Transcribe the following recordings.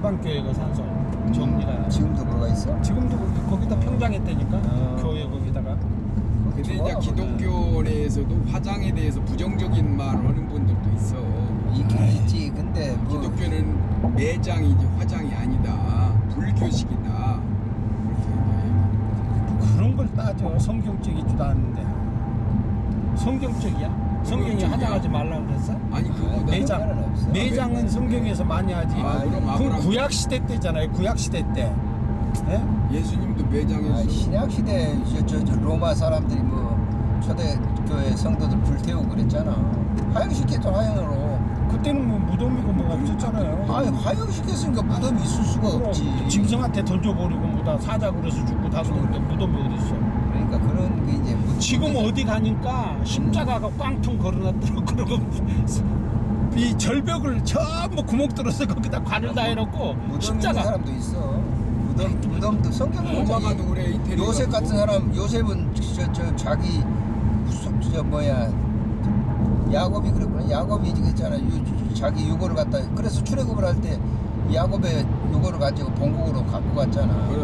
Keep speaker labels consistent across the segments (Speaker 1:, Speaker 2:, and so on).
Speaker 1: 한강교회가 산소 정리가.
Speaker 2: 지금도 그거가 있어?
Speaker 1: 지금도 거기다 평장했다니까. 교회 거기다가.
Speaker 3: 근데 이제 기독교 내에서도 화장에 대해서 부정적인 말 하는 분들도 있어.
Speaker 2: 있긴 있지. 근데 뭐
Speaker 3: 기독교는 매장이 이제 화장이 아니다. 불교식이다.
Speaker 1: 그런 걸 따져. 성경적이지도 않은데. 성경적이야? 성경이
Speaker 3: 성경적이야.
Speaker 1: 화장하지 말라고 그랬어?
Speaker 3: 아니 그거보다
Speaker 1: 매장.
Speaker 2: 없어.
Speaker 1: 매장은 성경에서 많이 하지.
Speaker 3: 그럼
Speaker 1: 그건
Speaker 3: 아브라함.
Speaker 1: 구약 시대 때잖아요. 구약 시대 때. 예?
Speaker 3: 예수님도 매장에서
Speaker 2: 신약 시대 저 로마 사람들이 뭐 초대교회 성도들 불태우고 그랬잖아. 화형시켰죠. 화형으로.
Speaker 1: 그때는 뭐 무덤이고 뭐가 없었잖아요.
Speaker 2: 아니 화형시켰으니까 무덤이 있을 수가 없지.
Speaker 1: 짐승한테 던져버리고 뭐다 사자고 그래서 죽고 다 그러는데 무덤이 어디 있어?
Speaker 2: 그러니까 그런 게 이제
Speaker 1: 지금 어디 가니까 십자가가 꽝통 걸어놨더라고. 그러고 이 절벽을 전부 구멍 뚫어서 거기다 관을 다 해놓고
Speaker 2: 무덤 있는
Speaker 1: 십자가.
Speaker 2: 사람도 있어. 무덤도 성경에
Speaker 3: 로마가도 그래. 이태리가
Speaker 2: 요셉 같은 사람, 요셉은 저 자기 저 뭐야 야곱이 그랬구나. 야곱이 그랬잖아. 자기 유고를 갖다 그래서 출애굽을 할 때 야곱의 유고를 가지고 본국으로 갖고 갔잖아.
Speaker 3: 그래.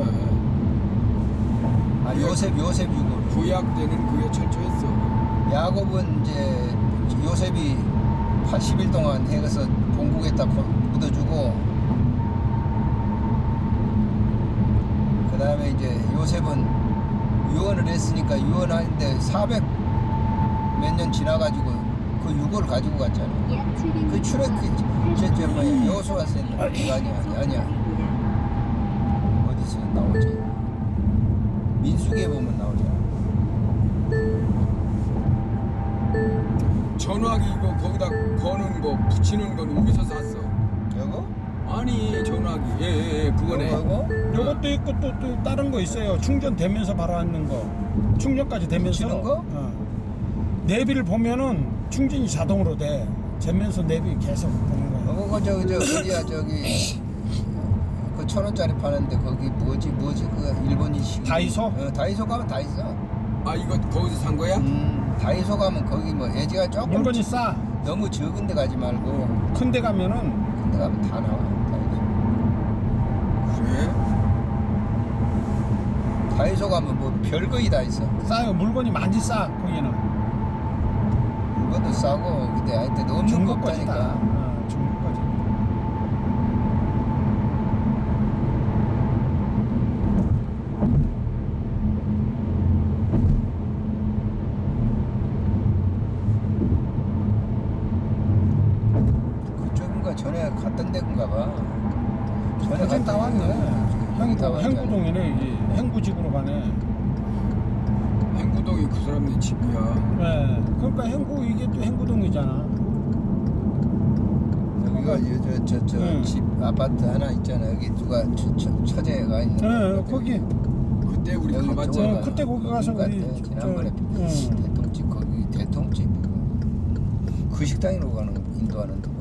Speaker 2: 아 요셉 유고를.
Speaker 3: 구약 때는 그게 철저했어.
Speaker 2: 야곱은 이제 요셉이 80일 동안 해서 본국에다 묻어주고, 그 다음에 이제 요셉은 유언을 했으니까 유언하는데 400 몇 년 지나가지고 그 유고를 가지고 갔잖아. 그 출애 저 뭐야 여호수아 쌤 아니야 어디서 나오지? 민수기에 보면 나오잖아.
Speaker 3: 전화기 이거 거기다 거는 거 붙이는 건 어디서 샀어?
Speaker 2: 이거?
Speaker 3: 아니 전화기 예 그거네.
Speaker 2: 이거?
Speaker 1: 요것도 있고 또 다른 거 있어요. 충전되면서 바로 하는 거. 충전까지 되면서.
Speaker 2: 붙이는 거?
Speaker 1: 내비를 보면은 충전이 자동으로 돼. 재면서 내비 계속 보는 거야.
Speaker 2: 그거 저 어디야 저기 그 1,000원짜리 파는데 거기 뭐지 그 일본인식
Speaker 1: 다이소?
Speaker 2: 다이소 가면 다 있어.
Speaker 3: 아 이거 거기서 산 거야?
Speaker 2: 다이소 가면 거기 뭐 예지가 조금
Speaker 1: 물건이 싸.
Speaker 2: 너무 적은 데 가지 말고
Speaker 1: 큰 데 가면은
Speaker 2: 큰 데 가면 다 나와.
Speaker 3: 그래?
Speaker 2: 다이소 가면 뭐 별거이 다 있어.
Speaker 1: 싸요. 물건이 많이 싸. 거기는.
Speaker 2: 물건도 싸고 근데 하여튼 없는 거
Speaker 1: 중국 거지다.
Speaker 2: 없다니까.
Speaker 1: 중국 거지.
Speaker 2: 그쪽인가 전에 갔던 데인가 봐. 전에
Speaker 1: 거긴 다 왔네.
Speaker 2: 형이 다 왔잖아.
Speaker 1: 행구동이네. 이게 행구집으로 가네.
Speaker 3: 행구동이 그 사람네 집이야.
Speaker 1: 네. 그러니까 행구 이게 또 행구동이잖아.
Speaker 2: 여기가 저
Speaker 1: 응.
Speaker 2: 집 아파트 하나 있잖아. 여기 누가 처제가 있는.
Speaker 1: 네, 거기.
Speaker 3: 그때 우리
Speaker 2: 여기
Speaker 3: 가봤잖아.
Speaker 1: 그때 거기 가서 우리
Speaker 2: 지난번에
Speaker 1: 응.
Speaker 2: 대통집 거기 대통집 그 식당으로 가는 인도하는 데.